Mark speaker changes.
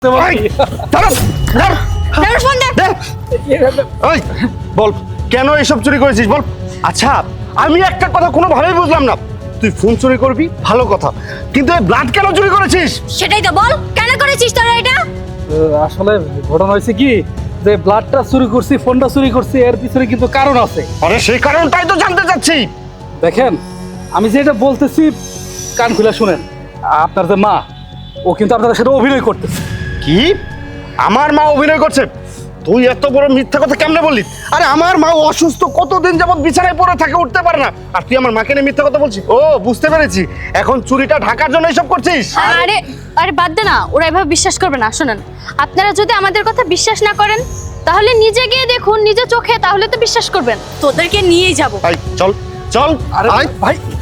Speaker 1: বল কেন এসব চুরি করেছিস বল। আচ্ছা আমি একটা কথা কোনোভাবেই বুঝলাম না, তুই ফোন চুরি করবি ভালো কথা, কিন্তু এই ব্লাড কেন চুরি করেছিস?
Speaker 2: সেটাই তো বল, কেন করেছিস তোরা এটা?
Speaker 3: আসলে ঘটনা হয়েছে কি, যে ব্লাডটা চুরি করছি, ফোনটা চুরি করছি, এর পিছনে কিন্তু কারণ আছে।
Speaker 1: আরে সেই কারণটাই তো জানতে চাচ্ছি।
Speaker 3: দেখেন, আমি যেটা বলতেছি কান খুলে শুনেন। আপনার যে মা, ও কিন্তু আপনাদের সাথে অভিনয় করতেছে।
Speaker 1: কি আমার মা অভিনয় করছে? তুই এত বড় মিথ্যা কথা কেমনে বললি? আরে আমার মা অসুস্থ, কতদিন যাবত বিছানায় পড়ে থাকে, উঠতে পারে না, আর তুই আমার মাকে নিয়ে মিথ্যা কথা বলছিস? ও বুঝতে পেরেছি, এখন চুরিটা ঢাকার জন্য এসব করছিস।
Speaker 2: আরে আরে বাদ দে না, ওরা এভাবে বিশ্বাস করবে না। শুনেন, আপনারা যদি আমাদের কথা বিশ্বাস না করেন তাহলে নিজে গিয়ে দেখুন, নিজে চোখে, তাহলে তো বিশ্বাস করবেন। তোদেরকে নিয়েই যাব।
Speaker 1: চল চল।
Speaker 3: আরে
Speaker 1: আয়।
Speaker 3: ভাই